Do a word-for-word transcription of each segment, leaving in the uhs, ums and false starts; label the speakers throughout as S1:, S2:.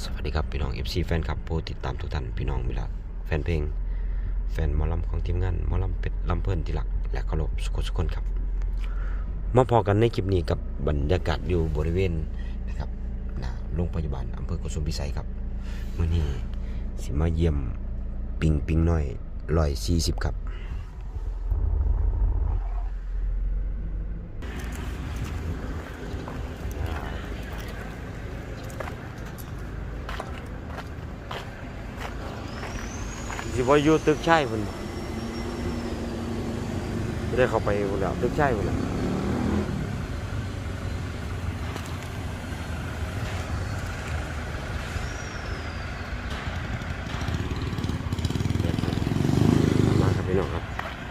S1: สวัสดีครับพี่น้อง เอฟ ซี แฟนคลับผู้ติดตามทุกท่านพี่น้องมิลักแฟนเพลงแฟนหมอลำของทีมงานหมอลำเป็ดลำเพิ่นที่รักและเคารพสุขสุขคนครับมาพอกันในคลิปนี้กับบรรยากาศอยู่บริเวณนะครับหน้าโรงพยาบาลอำเภอโกสุมพิสัยครับมื้อนี้สิมาเยี่ยมปิงปิงน้อยหนึ่งร้อยสี่สิบครับสิว่าอยู่ตึกใช่พุ่นไม่ได้เข้าไปพุ่นแล้วตึกใช่พุ่นแล้วมาครับพี่น้องครับ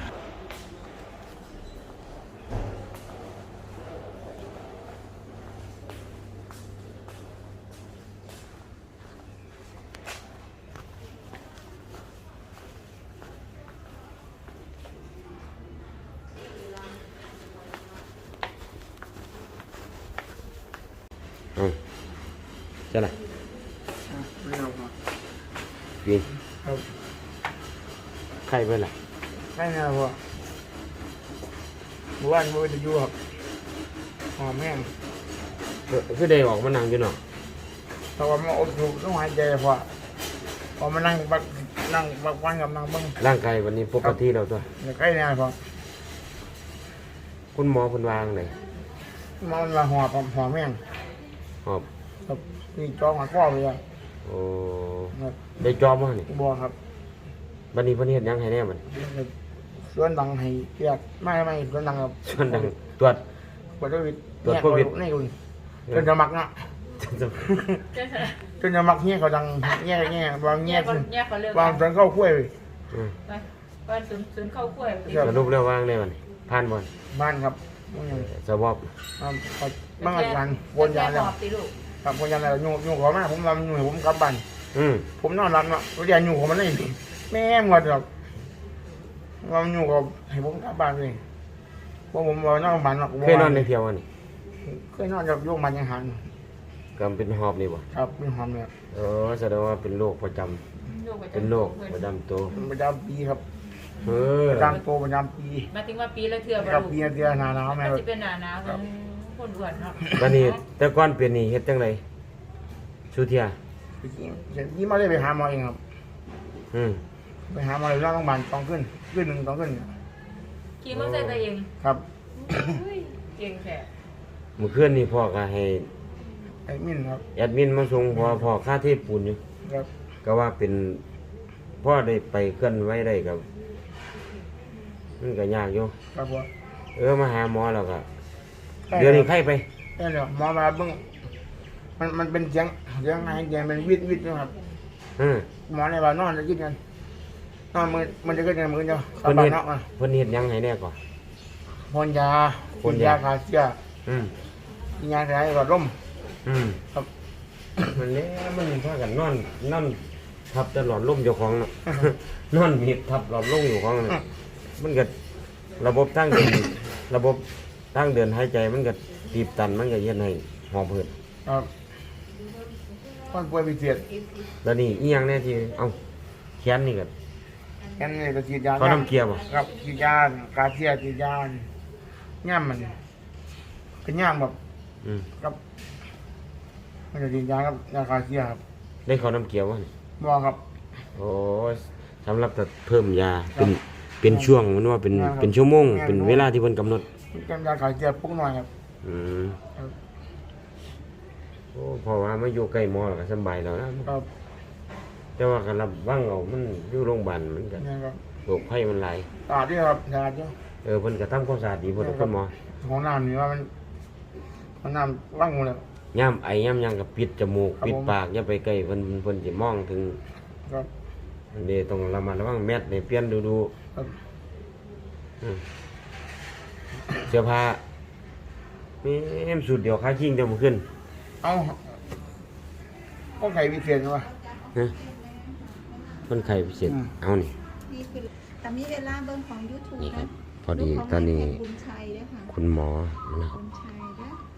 S1: อืมใช่ไหม
S2: ไม่เอาครับ
S1: ยิง
S2: ครับ
S1: ใครเป็นล่ะ
S2: ใช่นะพ่อเมื่อวานมือจะอยู่ครับหอมแห้ง
S1: คือได้ออกมานั่งอยู่เนาะ
S2: แต่ว่ามันอดถูกต้องหายใจพอพอมานั่งบักนั่งบักวันกับนั่งเบิ้ง
S1: ร่างกายวันนี้ปกติเราตัว
S2: อย่าใกล้เนี่ยพอ
S1: คุณหมอเพิ่นวางเลย
S2: มันมาหอบหอมแห้ง
S1: หอบ
S2: ครับนี่จองมาข้อไปอ่ะ
S1: โอ้
S2: ครับ
S1: ได้จอบมานี่
S2: บัวครับ
S1: บัดนี้เพิ่นเฮ็ดหยังให้แน่บัด
S2: ส่วนดังให้เกียรติไม่ไม่ส่วนดังครับ
S1: ส่วนดังตรวจ
S2: ปวดโควิด
S1: ตรวจโควิด
S2: นี่คุณจนจะมักนะจนจะมักเงี้ยเขาดังเงี้ยเงี้ยบางเงี้ย
S3: แยกกันเรื่อง
S2: บางจนเข้าคุ้ย
S1: อืม
S3: ไปบ้านศูนย์ศูนย์เข้าขั้ว
S1: สรุปแล้ววางได้บัดนี้ผ่านบ่
S2: บ้านครับมันยัง
S1: สวอป
S2: บางอาจารย์วนยาแล้ว
S3: หอบตีลูก
S2: ครับวนยาแล้วยุ่งยุ่งขอมาผมทำยุ่งผมกลับบ้าน
S1: อืม
S2: ผมนอนรับเนาะวนยายุ่งของมันเลยแม่หมดหรอกว่ามันยุ่งกับให้ผมกลับบ้านเลยเพราะผมว่านอนบ้านหรอก
S1: เคยนอนในเพียวอันนี้
S2: เคยนอนกับยุ่งมันยังหัน
S1: ก็เป็นหอบนี่บ่
S2: ครับเป็นหอมเนี่ย
S1: เออแสดงว่าเป็นโรคประจำเป็นโรคประจำตัว
S2: ประจำปีครับ
S1: เออ
S2: ประจำตัวประจำปี
S3: มาถึงว่าปีละเทื่อ
S2: ครับปีเดียวหนาหนาวแม่
S3: มันจะเป็นหนาหนาวคนอ้วนเนาะ
S1: บัดนี้แต่ก่อนเป็นนี่เฮ็ดจังไดสุเทีย
S2: ยี่มาได้ไปหาหมอเองครับ
S1: อืม
S2: ไปหาหมอเลยร่างโรงพยาบาลต้องขึ้นขึ้นหนึ่งต้องขึ้น
S3: ขี่มอเตอร์ไซค์ไปเอง
S2: ครับ
S3: เก่งแท้
S1: เมื่อคืนนี่พ่อก็ให้
S2: ไอ้มินครับ
S1: แอดมินมาส่งพอพอค่าเทพปูนอยู่
S2: ครับ
S1: ก็ว่าเป็นพ่อได้ไปเคลื่อนไหวได้กับมันก็ยากอยู่
S2: ครับผม
S1: เออมาหาหมอแล้วก็เดี๋ยวนี้ไข้ไป
S2: ใช่เดี๋ยวหมอมาเบิ้งมันมันเป็นเสียงเสียงไงเสียงเป็นวิดวิดนะครับ
S1: อืม
S2: หมอในบ้านนอนจะกินกันนอนมือมันจะกินกันมือเดียวกลั
S1: เพิ่
S2: บ
S1: น
S2: บ้า
S1: เฮ็
S2: น
S1: ด
S2: นอกอ่ะ
S1: เพิ่นเฮ็ดหยังให้แน่ก่อน
S2: พ่นยา
S1: พ่น
S2: กิ
S1: ยา
S2: ยาขาเชื้อ
S1: อืม
S2: กินยาอะไรหลอดลม
S1: อืม
S2: ครับ
S1: มันแหล้วมันพากันนอนนอนทับตลอดลมเจ้าของน่ะ นอนมีทับหลอดลมอยู่ของน่ะมันก็ระบบตั้งเดิน ระบบตั้งเดินหายใจมันก็ตีบตันมันก็เฮ็ดให้หอบหืด
S2: ครับคนป่วยพิเศษ
S1: แล้วนี่อีหยังแน่ที่เอ้าแขนนี่ก็
S2: แค่นี้ก็ฉีดยา
S1: เขาน้ำเกลียบ่
S2: ครับฉีดยาขาเชื้อฉีดยาย่ามมันเป็นย่ามแบบ
S1: อืม
S2: ครับมันจะฉีดยาครับยาขาเชื้อครับ
S1: ได้เขาน้ำเกลียวบ่นี่
S2: หมอครับ
S1: โอ้ยสำหรับจะเพิ่มยาเป็นเป็นช่วงมันว่าเป็นเป็นชั่วโมงเป็นเวลาที่เพิ่นกำหนด
S2: เป็นยาขาเชื้อปุ๊กหน่อยครับ
S1: อืม
S2: ครับ
S1: โอ้เพอว่ามาอยู่ใกล้หมอแล้วก็สำบายแล้วนะครับ แต่ว่าการรับว่างเอามันอยู่โรงพยาบาลมันก็
S2: นี่ครับ
S1: โรคภัยมันหลาย
S2: สะอาดด้วยครับสะอาดด้วย
S1: เออเพิ่นก็ทำความสะอาดดีเพิ่นทุกคนหมอ
S2: ของน้ำนี่ว่ามันมันน้ำว่างหมดเลย
S1: ย่ามไอย่ามหยังก็ปิดจมูก
S2: ครับ
S1: ปิด
S2: ผม
S1: ปากอย่าไปใกล้เพิ่นเพิ่นสิมองถึง
S2: ครับ
S1: อันนี้ต้องระมัดระวังแมสนี่เปลี่ยนดูดู
S2: ครับ
S1: อืมเสื้อผ้ามีเอ็มสุดเดียวค่าชิงเดียวบ่ขึ้น
S2: เอาก็ไข่พิเศษวะ
S1: นะคนไข้พิเศษ
S2: อืม
S1: เอานี่
S4: นี่คือแต่มีเวลาเบิ่งของ YouTube
S1: นี่ครั
S4: นะ
S1: บ พอดี
S4: ลูกของ
S1: ตอนนี้
S4: แม่บุญชัยด้วยค่ะ
S1: คุณหมอนะครับ
S4: บุญชัยด้วย
S1: ก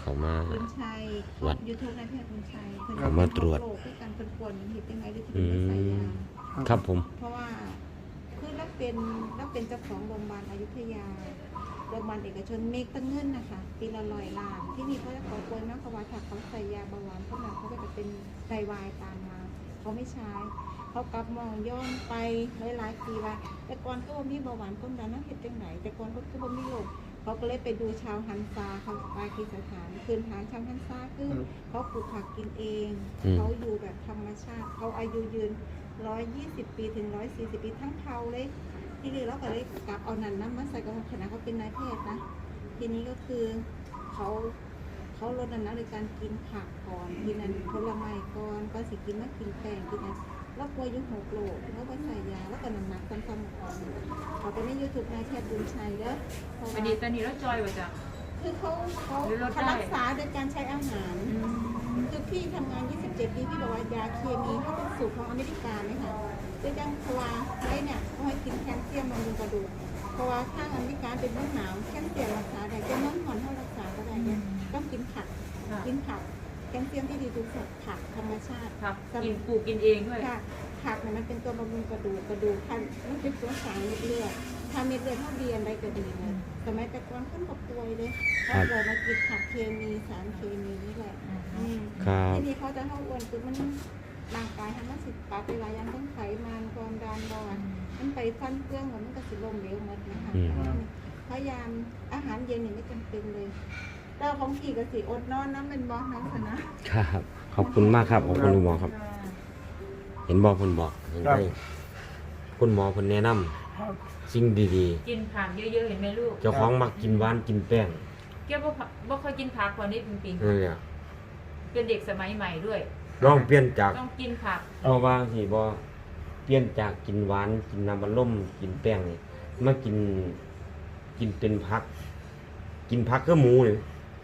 S1: เขามา
S4: คุณชัย
S1: วัด
S4: ยูทูบในเพจคุณชัยเพิ่น
S1: เขามาตรวจ
S4: โลกด้วยกันเพิ่นควรเห็นยังไงหรือ
S1: อื
S4: ที่เป็นใส่
S1: ม
S4: ยา
S1: ครับผม
S4: เพราะว่าคือรับเป็นรับเป็นเจ้าของโรงพยาบาลอยุธยาโรงพยาบาลเอกชนเมกตั้งเงินนะคะปีละร้อยล้านที่นี่เขาจะขอป่วยมากกว่าถ้าเขาใส่ยาเบาหวานเขาหนักเขาก็จะเป็นไตวายตามมาเขาไม่ใช้เขากลับมองย้อนไปหลายๆปีว่าแต่ก่อนก็บ่มีเบาหวานความดันนั่นเห็นจังไหนแต่ก่อนก็คือบ่มีโรคเขาก็เลยไปดูชาวฮันซาเขาปากีสถานคืนฐานชาวฮันซาคือเขาปลูกผักกินเอง
S1: อืม
S4: เขาอยู่แบบธรรมชาติเขาอายุยืน ร้อยยี่สิบปีถึงร้อยสี่สิบปีทั้งเทาเลยที่นี่เราก็เลยกลับเอานันน้ำมาใส่กับคณะเขาเป็นนายแพทย์นะทีนี้ก็คือเขาเขาลดน้ำหนักโดยการกินผักก่อนกินอันผลไม้ก่อนก็สิกินมากินแป้งกินอันแล้วป่วยอยุ่หกโลแล้วก็ใส่ยาแล้วก็น้ำหนักซ้ำๆก่อนเขาไปในยูทูบนายแพทย์บุญชัยเด้อเพราะ
S3: วั
S4: ว่าน
S3: นี้ตอนนี้เราจอยว่าจ้ะ
S4: คือเขาเขา
S3: หรือลดได้
S4: เขารักษาโดยการใช้อาหาร คือพี่ทำงาน ยี่สิบเจ็ด ปี พี่บอกว่ายาเคมีเขาเป็นสูตรของอเมริกาไหมคะด้วยดังเพราะว่าไว้เนี่ยเขาให้กินแคลเซียมบำรุงกระดูก เพราะว่าข้างอเมริกาเป็นเมืองหนาวแคลเซียมรักษาได้แต่เมืองหอนเขารักษาก็ได้เนี่ยต้องกินผัก
S3: ค่ะ
S4: กินผัก แคลเซียมที่ดีทุกสัตว์ผักธรรมชาติ
S3: ครับกินปลูกกินเองด้วย
S4: ค่ะผักเนี่ยมันเป็นตัวบำรุงกระดูกกระดูกพันมันเป็นตัวสารเม็ดเลือดถ้าเม็ดเลือดเท่าเดียนอะไรก็ดีเลยสมัยแต่ก่อนขึ้นกับป่วยเลยเขาเลยมากินผักเคมีสารเคมีนี่แหละอืม
S1: ครับ
S4: ทีนี้เขาจะเข้าอ้วนคือมันร่างกายทำมันสิปรับไปหลายอย่างทั้งไขมันความดันเบาหวานมันไปฟันเครื่องมันมันก็สิลมเหลวหมดนะคะ
S1: อืม
S4: พยายามอาหารเย็นเนี่ยไม่จำเป็นเลยเราของขี่ก็สิอดนอนน้ำเป็นบอสน้ำสนะครับ
S1: ขอบคุณมากครับขอบคุณคุณหมอครับ เห็นบอกคุณบอกเห็นไปคุณหมอคุณแนะนำ
S2: ครับ
S1: สิ่งดี
S3: กินผักเยอะๆเห็นไหมลูก
S1: ๆ เจ้าของมักกินหวานกินแป้ง
S3: แกบ่ผักบ่ค่อยกินผักกว่านี้จริง
S1: นั่นแหละ
S3: ๆเป็นเด็กสมัยใหม่ด้วย
S1: ลองเปลี่ยนจาก
S3: ต้องกินผัก
S1: เอาว่าสิบ่เปลี่ยนจากกินหวานกินน้ำมันล่มกินแป้งนี่มากินกินเป็นผัก กินผักก็หมูเลย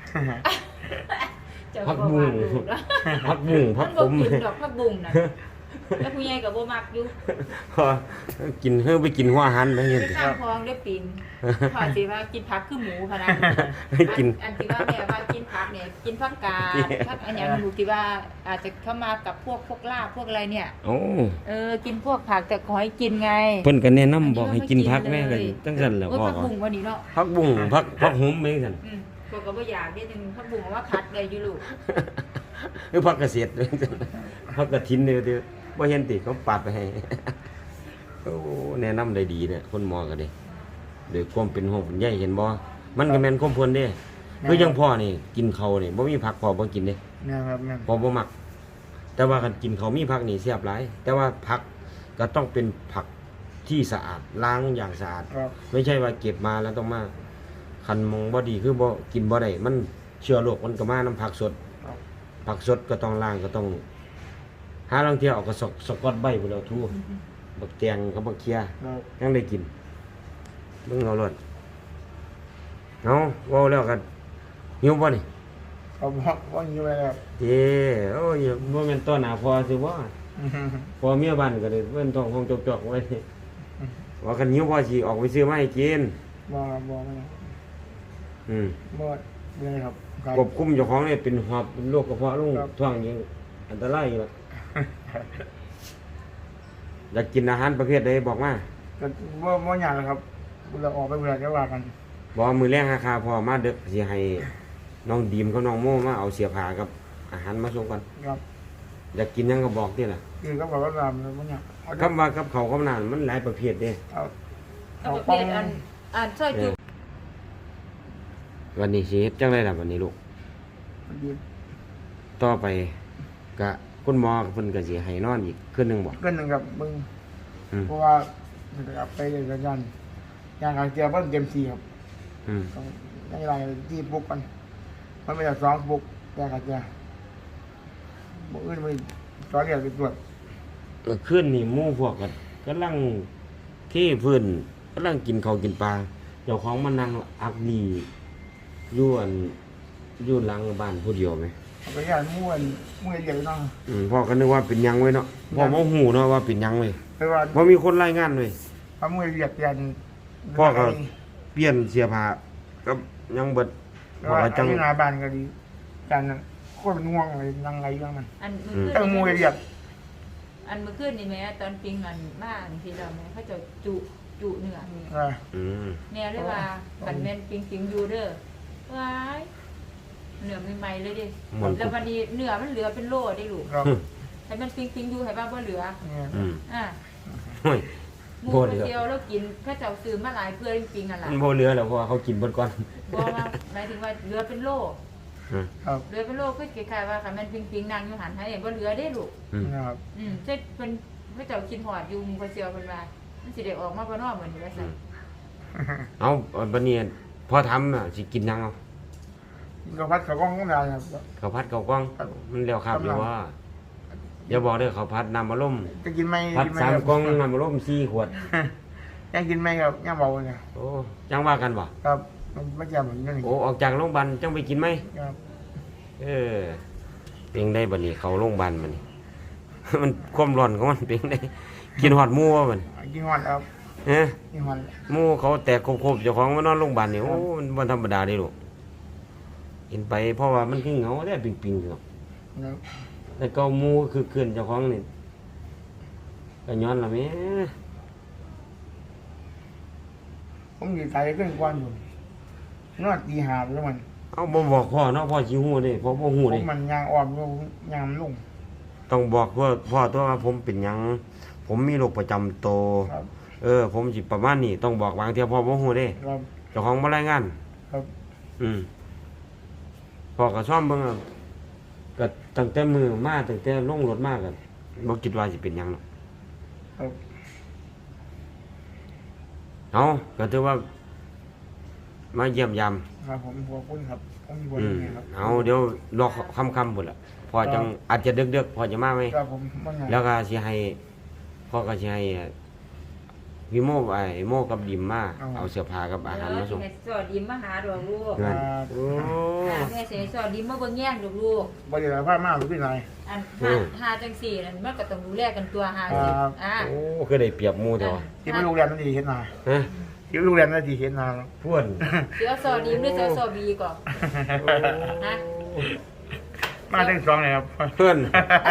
S3: เจ้า
S1: ผัก
S3: ก็
S1: บุ้
S3: ว่าง ลูกแล้ว
S1: ผักบุ้งผั
S3: มั
S1: ก
S3: น
S1: ข
S3: บ่
S1: ม
S3: กินดอกผักบุ้งน่ะแล้วผู้ใหญ่ก็บ่มักอยู่
S1: พอกินเฮ้ไปกินหัวอาหันไปเห็น
S3: ไป
S1: ติ
S3: ข้างคลองได้ปิ่นพอสิว่ากินผักคือหมูพะนะ
S1: กิน
S3: อันอันที่ว่าแม่ว่ากินผักเนี่ยกินผักกาดผักอันอย่างหนูที่ว่าอาจจะเข้ามากับพวกพวกลาบพวกอะไรเนี่ย
S1: โอ้
S3: เออกินพวกผักแต่ขอให้กินไง
S1: เพิ่นก็แนะนำบอกให้กินผักแม่ก็จังซั่นแหละ
S3: โอ้ย
S1: พ่อ
S3: ผักบุ้งวันนี้เนาะ
S1: ผักบุ้งผักผักหอมแม่ซั่น
S3: อืมพวกก็บ่อยากนิดนึงผักบุ้งเอาว่าผัดได้อยู่ลูก
S1: คือผักเกษตรผักกระถินเด้อเด้อบ่เห็นติเขาปาดไปให้ โอ้แนะนำได้ดีเนี่ยคนหมอก็ได้โดยความเป็นห่วงเป็นใยเห็นบ่มันก็แม่นความเพิ่นเด้คือจังพ่อนี่กินข้าวนี่บ่มีผักพ่อบ่กินเด้
S2: แม่นครับแม่น
S1: พ่อบ่มัก แต่ว่าคันกินข้าวมีผักนี่แซ่บหลาย แต่ว่าผักก็ต้องเป็นผักที่สะอาดล้างอย่างสะอาด
S2: ครับ
S1: ไม่ใช่ว่าเก็บมาแล้วต้องมาคันมองบ่ดีคือบ่กินบ่ได้มันเชื้อโรคมันก็มาน้ำผักสด
S2: ครับ
S1: ผักสดก็ต้องล้างก็ต้องหาลางเที่ยวเอากระสอกสกอตใบพุ่นแล้วทูบักแตงกับบักเคีย
S2: ครับ
S1: ยังได้กินเบิ่งเอารถเอาเว้าแล้วกันหิวบ่นี่
S2: เขาบอกว่าอยู่ไปแล้ว
S1: เด้โอ้ยบ่แม่นต้อนหน้าพอสิบ่พอเมียบ้านก็ได้เพิ่นท้องคงจอกๆไว้ว่าคันหิวพอสิออกไปซื้อมาให้กิน
S2: บอกครับบอกไม่
S1: อืม
S2: บอกเลยครับครับ
S1: ควบคุมเจ้าของเนี่ยเป็นหอบเป็นโรคกระเพาะลง
S2: ครับ
S1: ท้องยิงอันตรายอยู่แล้วอยากกินอาหารประเภทใดบอกมา
S2: ก็ว่าว่าอย่างไรครับเราออกไปเวลาจะว่ากัน
S1: บอกว่ามือแรงราคาพอมาเด็กสิให้น้องดีมกับน้องโม่มาเอาเสียผ้ากับอาหารมาส่งกัน
S2: ครับ
S1: อยากกินหยังก็บอกนี่แหละ
S2: คือก็บอกว่าตามเลยว่าอย่างเอา
S1: คำว่ากับเขาวกับน้ำมันหลายประเภทเด้
S2: เอา
S3: เอา
S2: เอา
S3: ประ
S2: ป้
S3: เภ
S2: อง
S3: ทอันอันซอยจุ
S1: วันนี้สิเฮ็ดจังไดล่ะวันนี้ลูก
S2: ยืน
S1: ต่อไปก็คุณหมอเพิ่นก็สิให้นอนอีกคืนหนึงบ่
S2: ขึ้นหนึ่งกับมึง
S1: อืม
S2: เพราะว่ามันจะกลับไปเลยกันยันอย่างการเจียบว่าเต็มทีครับ
S1: อืม
S2: ต้องในรายที่บุกกันมันไม่ได้สองบุกแต่กันเจียบุกอื่นไม่สอนเรียนไปตรวจ
S1: เมื่อคืนนี่หมู่พวกก็กำลังเทพื้นกำลังกินข้าวกินปลาเจ้าของมานั่งอักดีอยู่อันอยู่หลังบ้านผู้เดียวไหม
S2: เอาไปย่านม้วนม้วนเรียนไปน้อง
S1: อืมพ่อก็นึกว่าเป็นหยังไว้เนาะพ่อบ่ฮู้เนาะว่าเป็นหยังเว้ย
S2: ไปว่า
S1: บ่มีคนรายงานเว้ย
S2: พระม้วนเรียนยัน
S1: พ่อก็ เปลี่ยนเสื้อผ้ากับหยังเบิด
S2: ไป
S1: พ่อ
S2: ว่า
S1: ก็จัง
S2: ที่นาบ้านก็ดีจานนั้นโคตรเป็นห่วงเลยยังไงเรื่องมัน
S3: อันมือ
S2: แต่
S3: ขึ้น
S2: มวยเรียก
S3: อันมือขึ้นนี่แม่ตอนปิงอันมากทีเราแม่เขาจะจุจุเนื้อ
S2: เออ
S1: อืม
S3: แม่เลยว่าขันแม่นปิงปิงอยู่เด้อว้ายเนื้อใหม่ๆเลยดิ
S1: มัน
S3: แล้ววันนี้เนื้อมันเหลือเป็นโลได้ลูก
S2: ครับ
S3: ให้มันปิงปิงอยู่ให้บ้างบ่เหลือ
S2: เนี่ย
S1: อืม
S3: อ่ะ
S1: โอ้ย
S3: หมู
S1: บ่
S3: ก
S1: เหลื
S3: ระ
S1: อ
S3: เจียวแล้วกินข้าเจ้าซื้อมาหลายเพื่อนปิงๆอ่ะล่ะ
S1: มันบ่เหลือแล้วเพราะว่าเขากินเบิดก่อน
S3: บอกว่าหมายถึงว่าเหลือเป็นโล
S1: อืม
S2: ครับ
S3: เหลือเป็นโลก็คล้ายๆว่าคันแม่นปิงปิงๆนั่งอยู่หันให้บ่เหลือได้ลูก
S1: อืม
S2: นะครับ
S3: อืมเจ็ดเพิ่นข้าเจ้ากินหอดอยู่หมูกระเจียวเพิ่นว่ามันสิได้ออกมาบ่เนอเหมือนว่า
S1: อื
S3: ซั่น
S1: มเอาบัดนี้พอทำอ่ะสิกินยังเอา
S2: ก็พัดเขากล้องต้องได้ครับ
S1: ข้าวผัดข้าวกล้อง
S2: ครับ
S1: มันแล้วครับอยู่ว่าอย่าบอกเด้อข้าวผัดน้ำมะล่ม
S2: จะกินไหม
S1: ผัด
S2: กินไหม
S1: สาม
S2: ครับ
S1: กล่องน้ำมะล่มสี่ขวด
S2: ยังกินไหมครับยังเบาเนี่ย
S1: โอ้จังว่ากันบ่
S2: ครับมันไม่จำเหมือนกัน
S1: โอ้ออกจากโรงพยาบาลจังไปกินไหม
S2: ครับ
S1: เออเพียงได้บัดนี้เขาโรงพยาบาลมันนี่ มันความร้อนของมันเพียงได้ กินหอดหมูวะมัน
S2: กินหวานครับ
S1: เอ๊ะ
S2: กินหวาน
S1: หมูเขาแตกโคบๆเจ้าของมานอนโรงพยาบาลนี่โอ้มันบ่ธรรมดาเด้ลูกกินไปเพราะว่ามันคือเหงาได้ปิงๆเนาะ
S2: ครับ
S1: แต่เก็หมูคือเกินเจ้าของนี่ก็ย้อนละแม่
S2: ผมอยู่ใจขึ้นกวนอยู่นวดตีหาบแล้วมัน
S1: เอาบ่บอกพ่อเนาะพ่อสิฮู้เด้พ่อบ่ฮู้
S2: ผ
S1: เด้
S2: มมันยางอ่อนอยู่ยางมันลุ่ง
S1: ต้องบอกว่าพ่อตัวว่าผมเป็นหยัง ผมมีโรคประจำตัว
S2: ครับ
S1: เออ ผมสิประมาณนี้ต้องบอกบางเที่ยพ่อบ่ฮู้เด้
S2: ครับ
S1: เจ้าของบ่รายงาน
S2: ครับ
S1: อืมพ่อก็ซ่อมเบิ่งอะก็ตั้งแต่มือมาตั้งแต่ลงรถมาก็บ่คิดว่าสิเป็นหยังหรอก
S2: ครับ
S1: เอาก็ถือว่า มาเยี่ยมยาม
S2: ครับผมขอบคุณครับผมอยู่บน
S1: อืม
S2: นี้ครับ
S1: เอาเดี๋ยวรอค่ำๆพุ่นล่ะพอจังอาจจะดึกๆพอจะมาไหม
S2: ครับผมมันไง
S1: แล้วก็สิให้พ่อก็สิให้พี่โมไอ้โมกับดิมมาเอาเสื้อผ้ากับอาหารมาส่ง
S3: แม่สอดดิมมาหาดอกลูก
S1: เงินโอ้
S3: แม่เสียสอดดิมมาเบิ่งแย่งดอกลูก
S2: บริการผ้ามากหรือที่ไหน
S3: อันหาหาจังสี่นั่นมันก็ต้องดูแลกันตัวหาสิ
S2: ครับ
S3: อ่า
S1: โอ้คือได้เปรียบหมู่แต่ว่า
S2: ที่ไปโรงแรมนั่นดีเห็นนา
S1: ฮะ
S2: ที่ไปโรงแรมนั่นดีเห็นนา
S1: พ่วน
S3: เสือสอดดิมหรือเสือสอดบีก่อนฮะ
S2: มาทั้งสองเลยครับ
S1: เพื่อน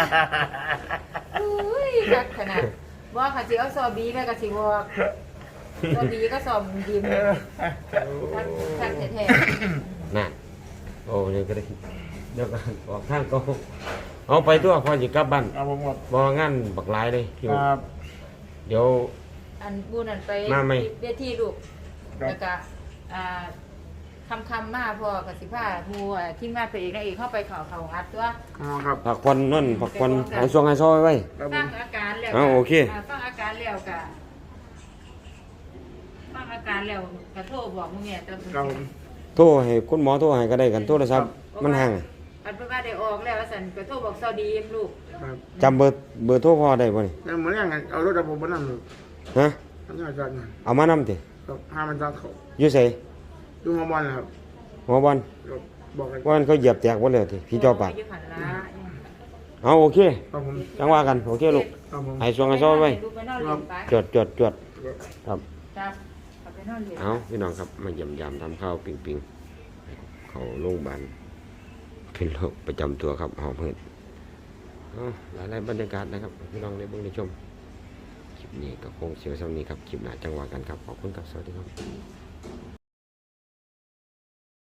S3: อุ้ยจักขนาดว่าค่ะสิเอาสอดบีแม่ก็สิบอกสอดบีก็สอดดิมทักทักแท้
S1: นั่นโอ้เดี๋ยวก็ได้เดี๋ยวก็ออกทางก็เอาไปตัวพอสิกลับบ้าน
S2: เอาผมหมด
S1: บ่งานบักหลายเลยที่
S2: ครับ
S1: เดี๋ยว
S3: ๆอันบูนั่นไป
S1: มาไหม
S3: เวทีลูก
S2: ครับ
S3: แล้วก็อ่าคำคำๆมาพอกับสิผ้าหมูอ่ะที่มาไปเอกนางเอกเข้าไปเขาเขาอัดตัว
S2: อ๋อครับ
S1: ผักควันนั่นผักควันหายซองหายซอยไว้
S2: ครับผ
S3: ฟัง
S2: ม
S3: อาการแล้ว
S1: อ้าวโอเค
S3: าฟังอาการแล้วกะฟังอาการแล้วกะโทรบอกมึงเนี่ยตอน
S2: ครับผม
S1: โทรให้คุณหมอโทรให้ก็ได้กันโทรศัพท์มันห่าง
S3: อันเพิ่นว่าได้ออกแล้วว่าซั่นกะโทรบอกสวัสดีลูก
S2: ครับ
S1: จำเบอร์เบอร์โทรพ่อได้บ่นี่
S2: แล้วเหมือนอย่างนั้นเอารถดับผมมานั่งเลย
S1: ฮะ
S2: ทำงานจัดงาน
S1: เอามานำติ
S2: ครับห้ามันจัดเขา
S1: อยู่ไส
S2: ดูมาบอลนะครับ
S1: หัวบอล
S2: ครับบอกกัน
S1: ว่ามันเขาเหยียบแตกบ่แล้วติพี่เจ้าปาก
S3: อยู่หั่นล่ะ
S1: เอาโอเค
S2: ครับผม
S1: จังว่ากันโอเคลูก
S2: ครับผม
S1: ให้ซองหายซอยไว้
S3: ลูกไปนอนเล่นไป
S1: จดจดจดครับ
S3: ครับเอาไปนอนเล่น
S1: เอาพี่น้องครับมาเยี่ยมยามทำข้าวปิงปิงเขาโรงพยาบาลเป็นโรคประจำตัวครับหอบหืดเอาหลายๆบรรยากาศนะครับพี่น้องได้เบิ่งได้ชมคลิปนี้ก็คงเสียวเท่านี้ครับคลิปหน้าจังหวะกันครับขอบคุณครับสวัสดีครับ